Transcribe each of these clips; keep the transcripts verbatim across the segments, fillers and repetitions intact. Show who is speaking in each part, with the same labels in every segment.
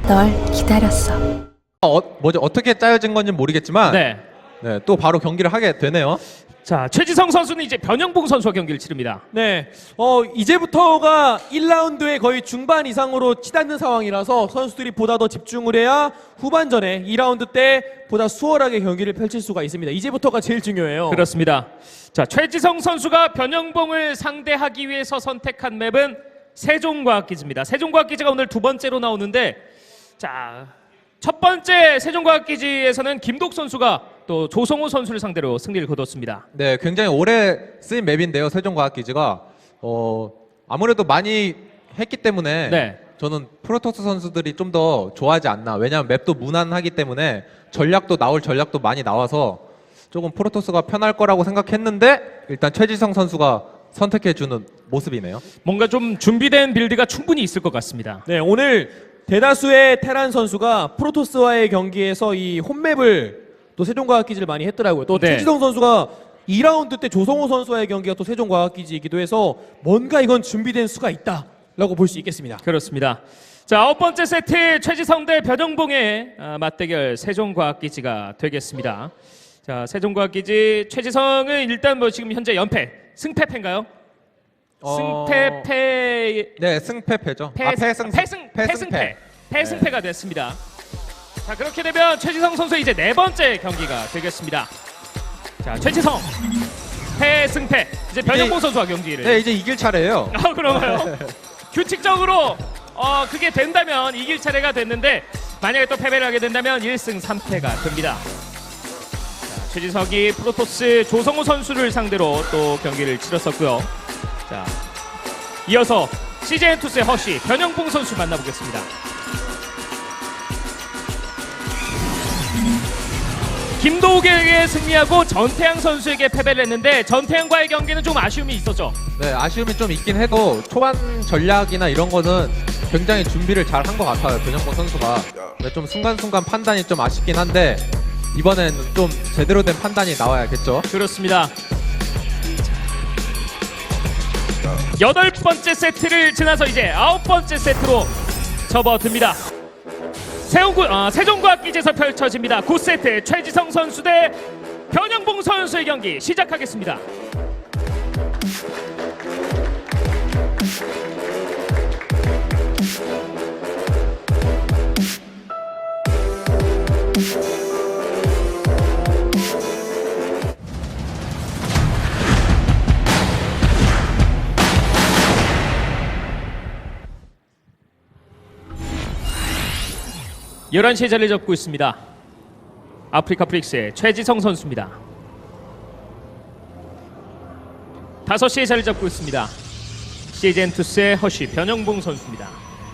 Speaker 1: 널 기다렸어.
Speaker 2: 어, 뭐지 어떻게 짜여진 건지 모르겠지만 네.
Speaker 3: 네.
Speaker 2: 또 바로 경기를 하게 되네요.
Speaker 3: 자, 최지성 선수는 이제 변형봉 선수와 경기를 치릅니다.
Speaker 4: 네, 어 이제부터가 일 라운드의 거의 중반 이상으로 치닫는 상황이라서 선수들이 보다 더 집중을 해야 후반전에 이 라운드 때 보다 수월하게 경기를 펼칠 수가 있습니다. 이제부터가 제일 중요해요.
Speaker 3: 그렇습니다. 자, 최지성 선수가 변형봉을 상대하기 위해서 선택한 맵은 세종과학기지입니다. 세종과학기지가 오늘 두 번째로 나오는데, 자, 첫 번째 세종과학기지에서는 김독 선수가 또 조성호 선수를 상대로 승리를 거뒀습니다.
Speaker 2: 네, 굉장히 오래 쓰인 맵인데요. 세종과학기지가 어, 아무래도 많이 했기 때문에
Speaker 3: 네.
Speaker 2: 저는 프로토스 선수들이 좀 더 좋아하지 않나. 왜냐하면 맵도 무난하기 때문에 전략도 나올 전략도 많이 나와서 조금 프로토스가 편할 거라고 생각했는데 일단 최지성 선수가 선택해주는 모습이네요.
Speaker 3: 뭔가 좀 준비된 빌드가 충분히 있을 것 같습니다.
Speaker 4: 네, 오늘 대다수의 테란 선수가 프로토스와의 경기에서 이 홈맵을 또 세종과학기지를 많이 했더라고요. 또
Speaker 3: 네.
Speaker 4: 최지성 선수가 이 라운드 때 조성호 선수와의 경기가 또 세종과학기지이기도 해서 뭔가 이건 준비된 수가 있다라고 볼 수 있겠습니다.
Speaker 3: 그렇습니다. 자, 아홉 번째 세트 최지성 대 변형봉의 아, 맞대결 세종과학기지가 되겠습니다. 자, 세종과학기지 최지성은 일단 뭐 지금 현재 연패, 승패패인가요?
Speaker 2: 어...
Speaker 3: 승패패
Speaker 2: 네, 승패패죠.
Speaker 3: 패,
Speaker 2: 아, 패승,
Speaker 3: 패승
Speaker 2: 패승패.
Speaker 3: 패승패 패승패가 됐습니다. 자, 그렇게 되면 최지성 선수 이제 네 번째 경기가 되겠습니다. 자, 최지성 패승패 이제 변형봉 선수와 경기를.
Speaker 2: 네, 이제 이길 차례예요.
Speaker 3: 아, 그런가요? 규칙적으로 어, 그게 된다면 이길 차례가 됐는데 만약에 또 패배를 하게 된다면 일 승 삼 패가 됩니다. 자, 최지석이 프로토스 조성우 선수를 상대로 또 경기를 치렀었고요. 자, 이어서 씨제이엔투스의 허쉬 변형봉 선수 만나보겠습니다. 김도욱에게 승리하고 전태양 선수에게 패배를 했는데 전태양과의 경기는 좀 아쉬움이 있었죠.
Speaker 2: 네, 아쉬움이 좀 있긴 해도 초반 전략이나 이런 거는 굉장히 준비를 잘 한 것 같아요. 변형봉 선수가. 근데 좀 순간순간 판단이 좀 아쉽긴 한데 이번엔 좀 제대로 된 판단이 나와야겠죠.
Speaker 3: 그렇습니다. 여덟 번째 세트를 지나서 이제 아홉 번째 세트로 접어듭니다. 세종구, 아, 세종과학기지에서 펼쳐집니다. 구 세트 최지성 선수 대 변형봉 선수의 경기 시작하겠습니다. 열한 시에 자리 잡고 있습니다. 아프리카 프릭스의 최지성 선수입니다. 다섯 시에 자리 잡고 있습니다. 씨제이엔투스의 허쉬 변형봉 선수입니다.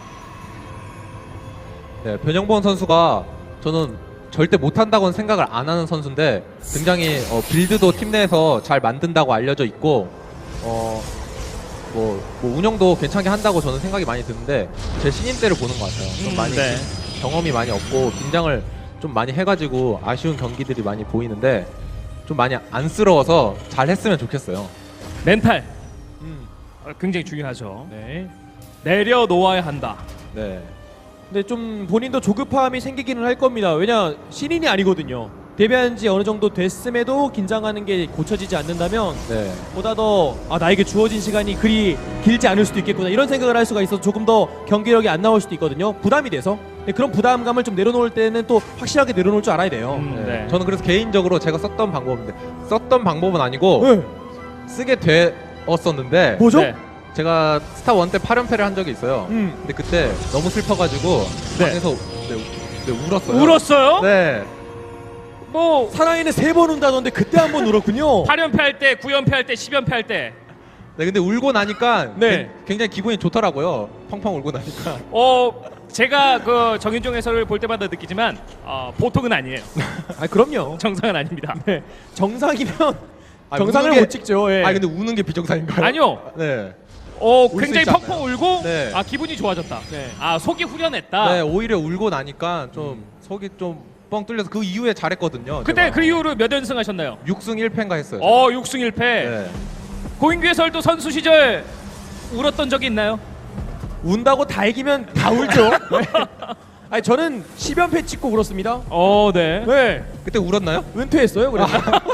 Speaker 2: 네, 변형봉 선수가 저는 절대 못한다고는 생각을 안 하는 선수인데 굉장히 어, 빌드도 팀 내에서 잘 만든다고 알려져 있고 어, 뭐, 뭐 운영도 괜찮게 한다고 저는 생각이 많이 드는데 제 신인 때를 보는 것 같아요. 좀
Speaker 3: 음,
Speaker 2: 많이
Speaker 3: 네.
Speaker 2: 경험이 많이 없고 긴장을 좀 많이 해가지고 아쉬운 경기들이 많이 보이는데 좀 많이 안쓰러워서 잘 했으면 좋겠어요.
Speaker 3: 멘탈
Speaker 4: 음,
Speaker 3: 어, 굉장히 중요하죠.
Speaker 4: 네.
Speaker 3: 내려놓아야 한다.
Speaker 2: 네.
Speaker 4: 근데 좀 본인도 조급함이 생기기는 할 겁니다. 왜냐 신인이 아니거든요. 데뷔한 지 어느 정도 됐음에도 긴장하는 게 고쳐지지 않는다면
Speaker 2: 네.
Speaker 4: 보다 더 아, 나에게 주어진 시간이 그리 길지 않을 수도 있겠구나 이런 생각을 할 수가 있어서 조금 더 경기력이 안 나올 수도 있거든요. 부담이 돼서. 근데 그런 부담감을 좀 내려놓을 때는 또 확실하게 내려놓을 줄 알아야 돼요.
Speaker 3: 음,
Speaker 2: 네.
Speaker 3: 네.
Speaker 2: 저는 그래서 개인적으로 제가 썼던 방법인데 썼던 방법은 아니고
Speaker 4: 네.
Speaker 2: 쓰게 되었었는데
Speaker 4: 뭐죠?
Speaker 3: 네.
Speaker 2: 제가 스타 원 때 팔 연패를 한 적이 있어요.
Speaker 4: 음.
Speaker 2: 근데 그때 너무 슬퍼가지고
Speaker 3: 네.
Speaker 2: 방에서 네, 네, 울었어요.
Speaker 3: 울었어요?
Speaker 2: 네.
Speaker 3: 뭐
Speaker 4: 사나이는 세 번 운다던데 그때 한 번 울었군요.
Speaker 3: 팔 연패 할 때, 구 연패 할 때, 십 연패 할 때.
Speaker 2: 네, 근데 울고 나니까
Speaker 4: 네.
Speaker 2: 굉장히 기분이 좋더라고요. 펑펑 울고 나니까.
Speaker 3: 어, 제가 그 정윤종 해설을 볼 때마다 느끼지만 어, 보통은 아니에요.
Speaker 4: 아 그럼요.
Speaker 3: 정상은 아닙니다.
Speaker 4: 네. 정상이면
Speaker 2: 아,
Speaker 4: 정상을
Speaker 2: 우는 게-
Speaker 4: 못 찍죠. 예.
Speaker 2: 아 근데 우는 게 비정상인가요?
Speaker 3: 아니요.
Speaker 2: 네.
Speaker 3: 어,
Speaker 2: 수
Speaker 3: 굉장히
Speaker 2: 있지
Speaker 3: 펑펑
Speaker 2: 않나요?
Speaker 3: 울고
Speaker 2: 네.
Speaker 3: 아 기분이 좋아졌다.
Speaker 4: 네.
Speaker 3: 아 속이 후련했다.
Speaker 2: 네, 오히려 울고 나니까 좀 속이 좀 뻥 뚫려서 그 이후에 잘했거든요.
Speaker 3: 그때
Speaker 2: 제가.
Speaker 3: 그 이후로 몇 연승 하셨나요?
Speaker 2: 육 승 일 패인가 했어요.
Speaker 3: 어, 육 승 일 패.
Speaker 2: 네.
Speaker 3: 고인규 해설도 선수 시절 울었던 적이 있나요?
Speaker 4: 운다고 다 이기면 다 울죠. 네. 아니 저는 십 연패 찍고 울었습니다.
Speaker 3: 어, 네.
Speaker 4: 네.
Speaker 2: 그때 울었나요?
Speaker 4: 은퇴했어요. 그래서.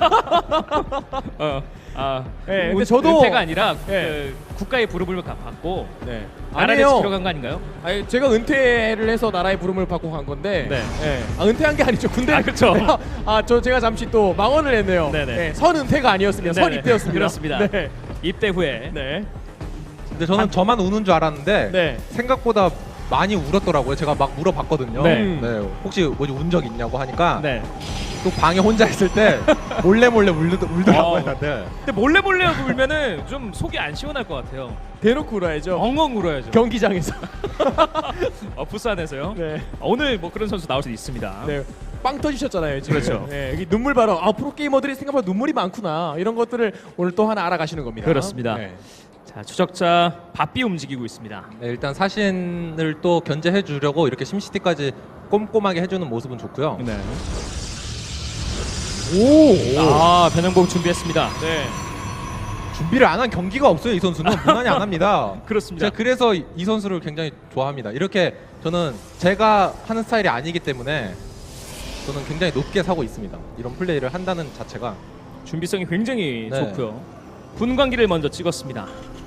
Speaker 3: 어, 아,
Speaker 4: 네,
Speaker 3: 은-
Speaker 4: 근데 저도-
Speaker 3: 은퇴가 아니라
Speaker 4: 네.
Speaker 3: 그 국가의 부름을 받고
Speaker 4: 네.
Speaker 3: 나라를
Speaker 4: 아니에요.
Speaker 3: 지키러 간 거 아닌가요?
Speaker 4: 아니 제가 은퇴를 해서 나라의 부름을 받고 간 건데.
Speaker 3: 네.
Speaker 4: 네. 아 은퇴한 게 아니죠. 군대.
Speaker 3: 아, 그쵸.
Speaker 4: 아 저 제가 잠시 또 망언을 했네요.
Speaker 3: 네네.
Speaker 4: 네. 선 은퇴가 아니었습니다. 선
Speaker 3: 네네.
Speaker 4: 입대였습니다.
Speaker 3: 그렇습니다.
Speaker 4: 네.
Speaker 3: 입대 후에
Speaker 4: 네.
Speaker 2: 근데 저는 저만 우는 줄 알았는데
Speaker 4: 네.
Speaker 2: 생각보다 많이 울었더라고요. 제가 막 물어봤거든요.
Speaker 3: 네.
Speaker 2: 혹시 뭐지 운 적 있냐고 하니까
Speaker 3: 네.
Speaker 2: 또 방에 혼자 있을 때 몰래 몰래 울더, 울더라고요.
Speaker 3: 어.
Speaker 2: 다들.
Speaker 3: 근데 몰래 몰래 울면은 좀 속이 안 시원할 것 같아요.
Speaker 4: 대놓고 울어야죠.
Speaker 3: 엉엉 울어야죠.
Speaker 4: 경기장에서.
Speaker 3: 어, 부스 안에서요.
Speaker 4: 네.
Speaker 3: 어, 오늘 뭐 그런 선수 나올 수 있습니다.
Speaker 4: 네. 빵 터지셨잖아요 지금.
Speaker 3: 그렇죠.
Speaker 4: 네, 여기 눈물 발언. 아 프로 게이머들이 생각보다 눈물이 많구나. 이런 것들을 오늘 또 하나 알아가시는 겁니다.
Speaker 3: 그렇습니다.
Speaker 4: 네.
Speaker 3: 자, 추적자 바삐 움직이고 있습니다.
Speaker 2: 네, 일단 사신을 또 견제해 주려고 이렇게 심시티까지 꼼꼼하게 해주는 모습은 좋고요.
Speaker 3: 네.
Speaker 4: 오.
Speaker 3: 아, 변형복 준비했습니다.
Speaker 4: 네.
Speaker 2: 준비를 안 한 경기가 없어요. 이 선수는 무난히 안 합니다.
Speaker 3: 그렇습니다.
Speaker 2: 제가 그래서 이- 이 선수를 굉장히 좋아합니다. 이렇게 저는 제가 하는 스타일이 아니기 때문에 저는 굉장히 높게 사고 있습니다. 이런 플레이를 한다는 자체가.
Speaker 3: 준비성이 굉장히
Speaker 2: 네.
Speaker 3: 좋고요. 분광기를 먼저 찍었습니다.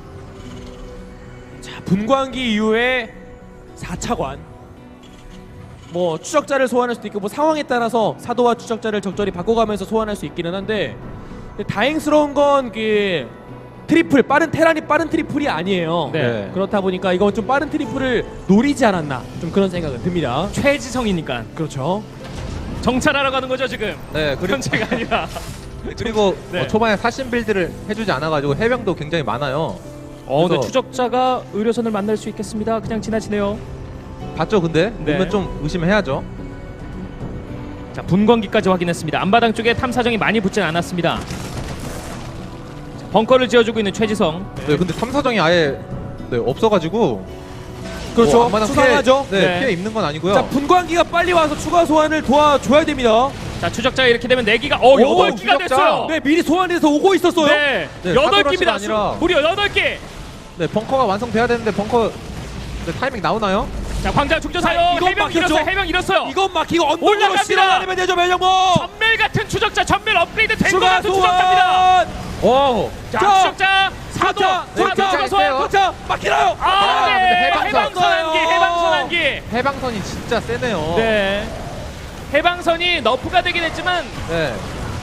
Speaker 4: 자 분광기 이후에 사 차관. 뭐 추적자를 소환할 수도 있고 뭐 상황에 따라서 사도와 추적자를 적절히 바꿔가면서 소환할 수 있기는 한데 근데 다행스러운 건 그 트리플 빠른 테란이 빠른 트리플이 아니에요.
Speaker 3: 네.
Speaker 4: 그렇다 보니까 이거 좀 빠른 트리플을 노리지 않았나 좀 그런 생각은 듭니다.
Speaker 3: 최지성이니까
Speaker 4: 그렇죠.
Speaker 3: 정찰하러 가는 거죠 지금.
Speaker 2: 네, 그리고
Speaker 3: 현재가 아니라.
Speaker 2: 그리고
Speaker 3: 네.
Speaker 2: 어, 초반에 사신 빌드를 해주지 않아가지고 해병도 굉장히 많아요.
Speaker 3: 어, 근데
Speaker 2: 그래서-
Speaker 3: 추적자가 의료선을 만날 수 있겠습니다. 그냥 지나치네요.
Speaker 2: 봤죠, 근데
Speaker 3: 네.
Speaker 2: 보면 좀 의심해야죠.
Speaker 3: 자, 분광기까지 확인했습니다. 앞마당 쪽에 탐사정이 많이 붙진 않았습니다. 자, 벙커를 지어주고 있는 최지성.
Speaker 2: 네, 근데 탐사정이 아예 네, 없어가지고
Speaker 4: 그렇죠.
Speaker 2: 뭐 앞마당
Speaker 4: 수상하죠.
Speaker 2: 피해, 네,
Speaker 3: 네.
Speaker 2: 피해 입는 건 아니고요.
Speaker 4: 자 분광기가 빨리 와서 추가 소환을 도와줘야 됩니다.
Speaker 3: 자, 추적자가 이렇게 되면 네 기가 어, 여덟 기가
Speaker 2: 추적자.
Speaker 3: 됐어요.
Speaker 4: 네 미리 소환해서 오고 있었어요.
Speaker 3: 네.
Speaker 2: 네,
Speaker 3: 여덟
Speaker 2: 사도러시가
Speaker 3: 기입니다.
Speaker 2: 아니라-
Speaker 3: 무려 여덟 개.
Speaker 2: 네, 벙커가 완성돼야 되는데 벙커 네, 타이밍 나오나요?
Speaker 3: 자, 광장
Speaker 4: 자,
Speaker 3: 중전사요.
Speaker 4: 이건
Speaker 3: 해병
Speaker 4: 막혔죠?
Speaker 3: 잃었어요. 해병 잃었어요.
Speaker 4: 이건 막히고 언덕으로
Speaker 3: 올라갑니다.
Speaker 4: 실어나르면 되죠 멸령모.
Speaker 3: 전멸 같은 추적자, 전멸 업그레이드 된 것
Speaker 4: 추가
Speaker 3: 같은 추적자입니다.
Speaker 4: 소환.
Speaker 2: 오,
Speaker 3: 자,
Speaker 4: 자,
Speaker 3: 추적자 사도.
Speaker 4: 자,
Speaker 2: 네,
Speaker 3: 사도
Speaker 2: 자,
Speaker 3: 추가
Speaker 2: 있어요.
Speaker 3: 소환.
Speaker 4: 도착 막히나요?
Speaker 3: 아,
Speaker 2: 아,
Speaker 3: 네.
Speaker 2: 근데 해방선.
Speaker 3: 해방선 한기, 해방선 한기.
Speaker 2: 해방선이 진짜 세네요.
Speaker 3: 네. 해방선이 너프가 되긴 했지만
Speaker 2: 네,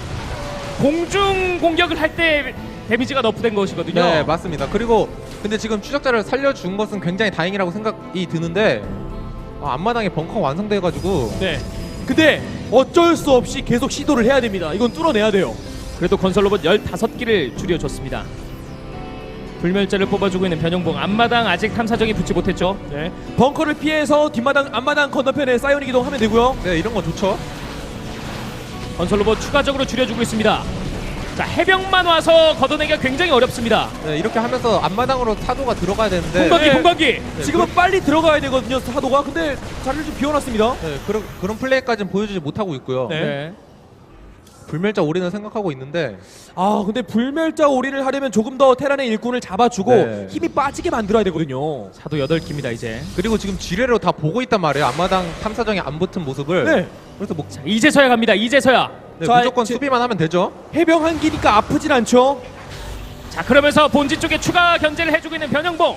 Speaker 3: 공중 공격을 할 때 데미지가 너프된 것이거든요.
Speaker 2: 네, 맞습니다. 그리고 근데 지금 추적자를 살려준 것은 굉장히 다행이라고 생각이 드는데 아, 앞마당에 벙커 완성돼가지고
Speaker 4: 네. 근데 어쩔 수 없이 계속 시도를 해야 됩니다. 이건 뚫어내야 돼요.
Speaker 3: 그래도 건설 로봇 열다섯 기를 줄여줬습니다. 불멸자를 뽑아주고 있는 변형봉. 앞마당 아직 탐사정이 붙지 못했죠.
Speaker 4: 네. 벙커를 피해서 뒷마당 앞마당 건너편에 사이오닉 이동하면 되고요.
Speaker 2: 네, 이런 건 좋죠.
Speaker 3: 건설 로봇 추가적으로 줄여주고 있습니다. 자, 해병만 와서 걷어내기가 굉장히 어렵습니다.
Speaker 2: 네, 이렇게 하면서 앞마당으로 사도가 들어가야 되는데
Speaker 3: 공방기
Speaker 4: 네.
Speaker 3: 공방기.
Speaker 2: 네,
Speaker 4: 지금은 빨리 들어가야 되거든요. 사도가. 근데 자리를 좀 비워놨습니다.
Speaker 2: 네, 그런 그런 플레이까지는 보여주지 못하고 있고요.
Speaker 4: 네.
Speaker 3: 네.
Speaker 2: 불멸자 올인을 생각하고 있는데
Speaker 4: 아 근데 불멸자 올인을 하려면 조금 더 테란의 일꾼을 잡아주고
Speaker 2: 네.
Speaker 4: 힘이 빠지게 만들어야 되거든요.
Speaker 3: 사도 여덟 기입니다 이제.
Speaker 2: 그리고 지금 지뢰로 다 보고 있단 말이에요. 앞마당 탐사정이 안 붙은 모습을.
Speaker 4: 네.
Speaker 2: 그래서 뭐
Speaker 3: 자, 이제서야 갑니다. 이제서야.
Speaker 2: 네,
Speaker 4: 자,
Speaker 2: 무조건
Speaker 4: 지-
Speaker 2: 수비만 하면 되죠.
Speaker 4: 해병 한 기니까 아프진 않죠.
Speaker 3: 자, 그러면서 본진 쪽에 추가 견제를 해주고 있는 변형봉.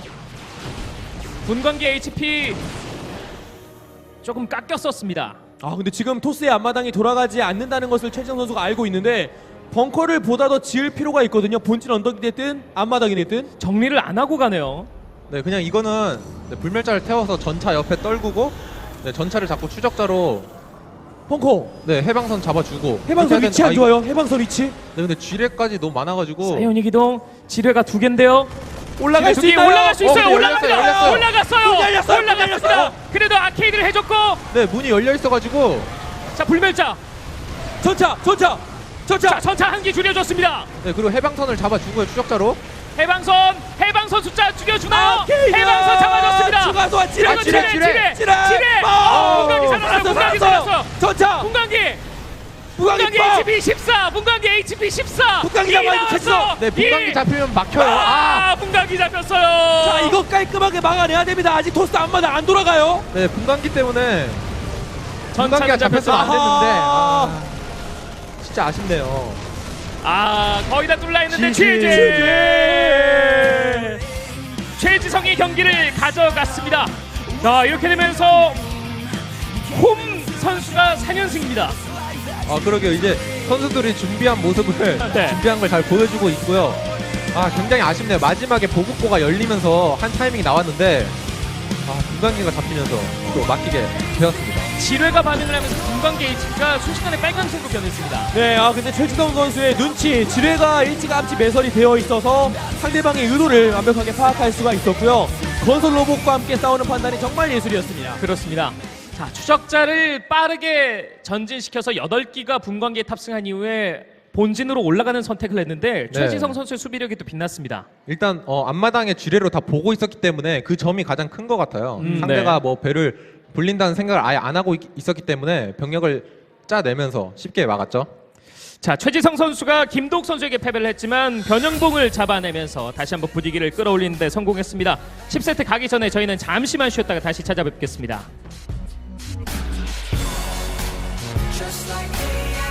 Speaker 3: 분광기 에이치피 조금 깎였었습니다.
Speaker 4: 아 근데 지금 토스의 앞마당이 돌아가지 않는다는 것을 최지성 선수가 알고 있는데 벙커를 보다 더 지을 필요가 있거든요. 본진 언덕이 됐든 앞마당이 됐든.
Speaker 3: 정리를 안 하고 가네요.
Speaker 2: 네, 그냥 이거는 네, 불멸자를 태워서 전차 옆에 떨구고 네, 전차를 잡고 추적자로
Speaker 4: 벙커
Speaker 2: 네, 해방선 잡아주고.
Speaker 4: 해방선
Speaker 2: 그렇게
Speaker 4: 위치
Speaker 2: 해야
Speaker 4: 안
Speaker 2: 되는-
Speaker 4: 좋아요. 해방선 위치
Speaker 2: 아, 네, 근데 지뢰까지 너무 많아가지고.
Speaker 3: 사이오닉 이동. 지뢰가 두 개인데요.
Speaker 4: 올라갈 수
Speaker 3: 두 개
Speaker 4: 있나요?
Speaker 3: 올라갈 수
Speaker 2: 어,
Speaker 3: 있어요.
Speaker 2: 네,
Speaker 3: 올라갑니다.
Speaker 2: 열렸어요, 열렸어요.
Speaker 3: 올라갔어요.
Speaker 4: 문 열렸어요, 문
Speaker 3: 올라갔습니다.
Speaker 4: 열렸어요.
Speaker 3: 그래도 아케이드를 해줬고.
Speaker 2: 네, 문이 열려 있어가지고.
Speaker 3: 자, 불멸자.
Speaker 4: 전차 전차 전차.
Speaker 3: 자, 전차 한 기 줄여줬습니다.
Speaker 2: 네, 그리고 해방선을 잡아주고요, 추적자로.
Speaker 3: 해방선. 해방선 숫자 죽여주나요?
Speaker 4: 아케이드!
Speaker 3: 해방선 잡아줬습니다.
Speaker 4: 추가 소환 지뢰
Speaker 3: 그리고
Speaker 2: 지뢰,
Speaker 3: 지뢰,
Speaker 2: 지뢰,
Speaker 3: 지뢰,
Speaker 4: 지뢰!
Speaker 3: 지뢰.
Speaker 4: 아,
Speaker 3: 공간기 살았어요.
Speaker 4: 살았어,
Speaker 3: 공간기
Speaker 4: 살았어요.
Speaker 3: 살았어요.
Speaker 4: 전차
Speaker 3: 공간기.
Speaker 4: 무광기
Speaker 3: 문광기
Speaker 4: 뻥!
Speaker 3: 에이치피 십사, 문광기 에이치피 십사.
Speaker 4: 문광기
Speaker 3: 이
Speaker 4: 잡아야 돼,
Speaker 3: 나왔어.
Speaker 2: 네, 문광기
Speaker 3: 이.
Speaker 2: 잡히면 막혀요. 아,
Speaker 3: 아, 문광기 잡혔어요.
Speaker 4: 자, 이거 깔끔하게 막아내야 됩니다. 아직 토스 앞마다 안 돌아가요.
Speaker 2: 네, 분광기 때문에
Speaker 3: 전차는
Speaker 2: 분광기가 잡혔으면 안
Speaker 3: 잡혔어.
Speaker 2: 됐는데
Speaker 4: 아하.
Speaker 2: 아, 진짜 아쉽네요.
Speaker 3: 아, 거의 다 뚫려 있는데
Speaker 4: 지지.
Speaker 3: 최재. 최지성이 경기를 가져갔습니다. 자, 이렇게 되면서 홈 선수가 사 연승입니다.
Speaker 2: 아, 그러게요. 이제 선수들이 준비한 모습을
Speaker 3: 네.
Speaker 2: 준비한 걸 잘 보여주고 있고요. 아, 굉장히 아쉽네요. 마지막에 보급고가 열리면서 한 타이밍이 나왔는데 아, 분광기가 잡히면서 또 막히게 되었습니다.
Speaker 3: 지뢰가 반응을 하면서 분광기 에이치피가 순식간에 빨간색으로 변했습니다.
Speaker 4: 네, 아 근데 최지성 선수의 눈치, 지뢰가 일찌감치 매설이 되어 있어서 상대방의 의도를 완벽하게 파악할 수가 있었고요. 건설 로봇과 함께 싸우는 판단이 정말 예술이었습니다.
Speaker 3: 그렇습니다. 자, 추적자를 빠르게 전진시켜서 여덟 기가 분광기에 탑승한 이후에 본진으로 올라가는 선택을 했는데
Speaker 2: 네.
Speaker 3: 최지성 선수의 수비력이 또 빛났습니다.
Speaker 2: 일단 어, 앞마당에 지뢰로 다 보고 있었기 때문에 그 점이 가장 큰 것 같아요.
Speaker 3: 음,
Speaker 2: 상대가
Speaker 3: 네.
Speaker 2: 뭐 배를 불린다는 생각을 아예 안 하고 있, 있었기 때문에 병력을 짜내면서 쉽게 막았죠.
Speaker 3: 자, 최지성 선수가 김도욱 선수에게 패배를 했지만 변형봉을 잡아내면서 다시 한번 분위기를 끌어올리는 데 성공했습니다. 십 세트 가기 전에 저희는 잠시만 쉬었다가 다시 찾아뵙겠습니다.
Speaker 1: Just like the